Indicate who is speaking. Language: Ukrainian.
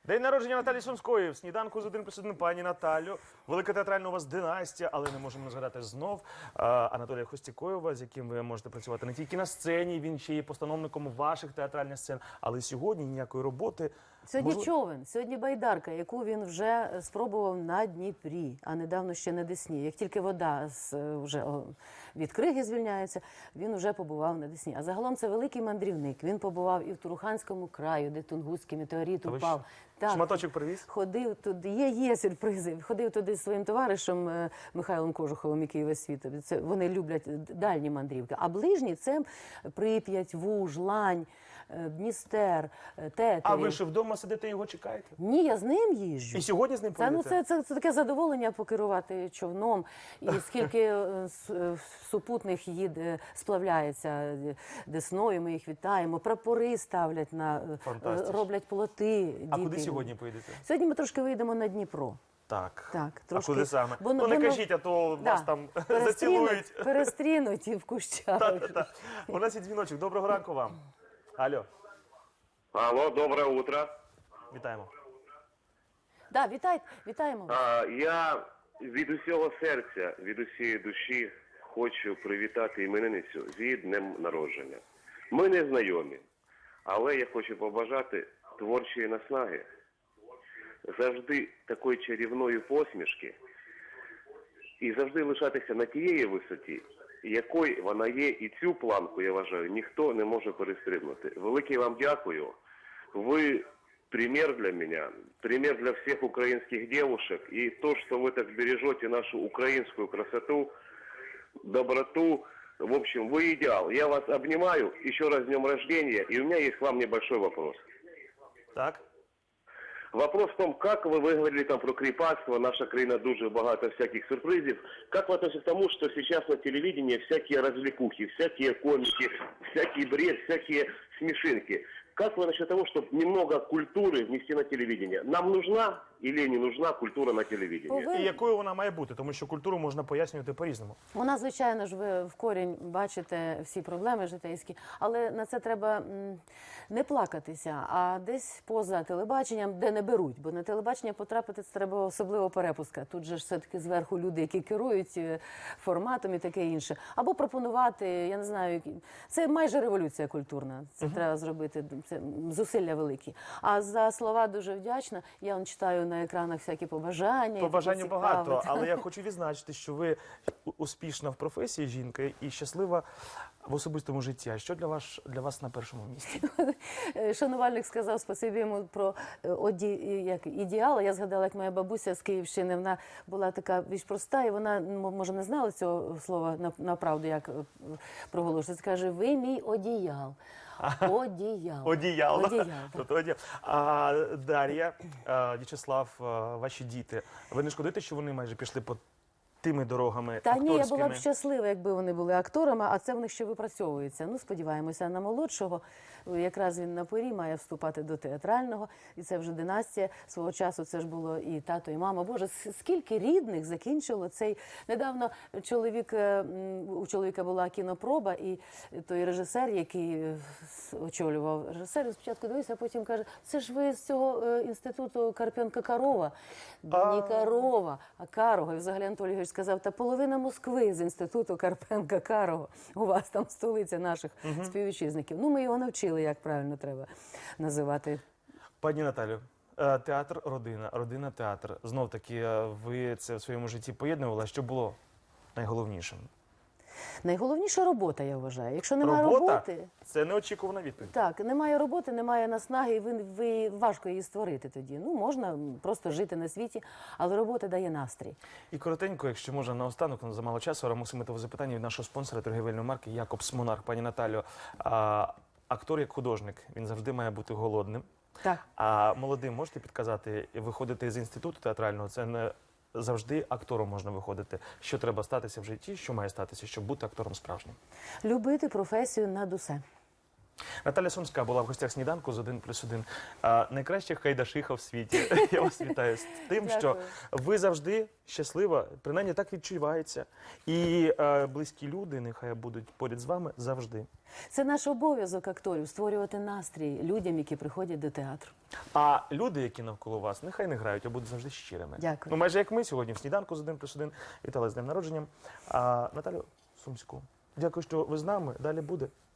Speaker 1: День народження Наталі Сумської. В сніданку з 1+1 пані Наталю. Велика театральна у вас династія, але не можемо не згадати знов Анатолія Хостікоєва, з яким ви можете працювати не тільки на сцені, він ще є постановником ваших театральних сцен. Але сьогодні ніякої роботи.
Speaker 2: Сьогодні човен, сьогодні байдарка, яку він вже спробував на Дніпрі, а недавно ще на Десні. Як тільки вода вже від криги звільняється, він вже побував на Десні. А загалом це великий мандрівник. Він побував і в Туруханському краю, де Тунгуський метеорит упав. Так,
Speaker 1: шматочок привіз?
Speaker 2: Ходив туди, є сюрпризи. Ходив туди зі своїм товаришем Михайлом Кожуховим, який весь світ. Вони люблять дальні мандрівки. А ближні – це Прип'ять, Вуж, Лань, Дністер, Тетерів.
Speaker 1: А ви ж вдома сидите і його чекаєте?
Speaker 2: Ні, я з ним їжджу.
Speaker 1: І сьогодні з ним поїдете?
Speaker 2: Це таке задоволення покерувати човном. І скільки супутних їде, сплавляється Десною, ми їх вітаємо. Прапори ставлять, роблять плоти. Діти.
Speaker 1: А куди сьогодні поїдете?
Speaker 2: Сьогодні ми трошки вийдемо на Дніпро.
Speaker 1: Так.
Speaker 2: Трошки.
Speaker 1: А куди саме? Ну не кажіть, а то вас там зацілують.
Speaker 2: Перестрінуть і в кущах.
Speaker 1: У нас є дзвіночок. Доброго ранку вам. Алло.
Speaker 3: Алло, доброе утро.
Speaker 1: Вітаємо.
Speaker 2: Так, вітаємо.
Speaker 3: Я від усього серця, від усієї душі хочу привітати іменинницю з днем народження. Ми не знайомі, але я хочу побажати творчої наснаги, завжди такої чарівної посмішки і завжди лишатися на тієї висоті, якою вона є, і цю планку, я вважаю, ніхто не може перестрибнути. Велике вам дякую. Ви пример для меня, пример для всех украинских девушек. И то, что вы так бережете нашу украинскую красоту, доброту, в общем, вы идеал. Я вас обнимаю, еще раз с днем рождения, и у меня есть к вам небольшой вопрос.
Speaker 1: Так.
Speaker 3: Вопрос в том, как вы говорили там про кріпацтво, наша країна дуже багато всяких сюрпризів. Как вы относитесь к тому, что сейчас на телевидении всякие развлекухи, всякие комики, всякий бред, всякие смешинки? Как вы насчет того, чтобы немного культуры внести на телевидение? Нам нужна или не нужна культура на телевидении?
Speaker 1: І якою вона має бути? Тому що культуру можна пояснювати по-різному.
Speaker 2: Вона, звичайно ж, ви в корінь бачите всі проблеми житейські, але на це треба не плакатися, а десь поза телебаченням, де не беруть. Бо на телебачення потрапити це треба особливо перепуска. Тут же ж все-таки зверху люди, які керують форматом і таке інше. Або пропонувати, я не знаю, це майже революція культурна. Це треба зробити, це зусилля великі. А за слова дуже вдячна. Я вам читаю на екранах всякі побажання.
Speaker 1: Побажань багато, але я хочу відзначити, що ви успішна в професії жінка і щаслива в особистому житті. А що для вас на першому місці?
Speaker 2: Шанувальник сказав спасибі йому про ідеал. Я згадала, як моя бабуся з Київщини, вона була така більш проста, і вона, може, не знала цього слова направду, як проголошується. Каже, ви мій одіял. Одіял.
Speaker 1: А Дар'я, В'ячеслав, ваші діти, ви не шкодуєте, що вони майже пішли по тими дорогами акторськими?
Speaker 2: Та ні, я була б щаслива, якби вони були акторами, а це в них ще випрацьовується. Ну, сподіваємося, на молодшого. Якраз він на порі має вступати до театрального, і це вже династія. Свого часу це ж було і тато, і мама. Боже, скільки рідних закінчило цей... Недавно у чоловіка була кінопроба, і той режисер, який очолював режисер, спочатку дивився, а потім каже, це ж ви з цього інституту Карпенка-Карова. Не Карова, а Карого. І взагалі Анатолій Григорович сказав, та половина Москви з інституту Карпенка-Карого. У вас там столиця наших співвітчизників. Ну, ми його навчили, як правильно треба називати.
Speaker 1: Пані Наталю, театр – родина, родина – театр. Знов-таки, ви це в своєму житті поєднували. Що було найголовнішим?
Speaker 2: Найголовніша робота, я вважаю. Якщо немає роботи...
Speaker 1: Це неочікувана відповідь.
Speaker 2: Так, немає роботи, немає наснаги, і важко її створити тоді. Ну, можна просто жити на світі, але робота дає настрій.
Speaker 1: І коротенько, якщо можна, наостанок, замало часу, рамусимитове запитання від нашого спонсора торгівельної марки «Якобс Монарх». Пані Наталю, актор як художник, він завжди має бути голодним.
Speaker 2: Так.
Speaker 1: А молодим можете підказати, виходити з інституту театрального, це не завжди актором можна виходити. Що треба статися в житті, що має статися, щоб бути актором справжнім?
Speaker 2: Любити професію над усе.
Speaker 1: Наталя Сумська була в гостях сніданку з 1+1. Найкраща хайдашиха в світі. Я вас вітаю з тим, що
Speaker 2: Дякую.
Speaker 1: ви завжди щаслива, принаймні так відчувається. І близькі люди нехай будуть поряд з вами завжди.
Speaker 2: Це наш обов'язок акторів створювати настрій людям, які приходять до театру.
Speaker 1: А люди, які навколо вас, нехай не грають, а будуть завжди щирими.
Speaker 2: Дякую.
Speaker 1: Ну, майже як ми сьогодні в сніданку з 1+1. Вітали з днем народження. Наталю Сумську, дякую, що ви з нами. Далі буде.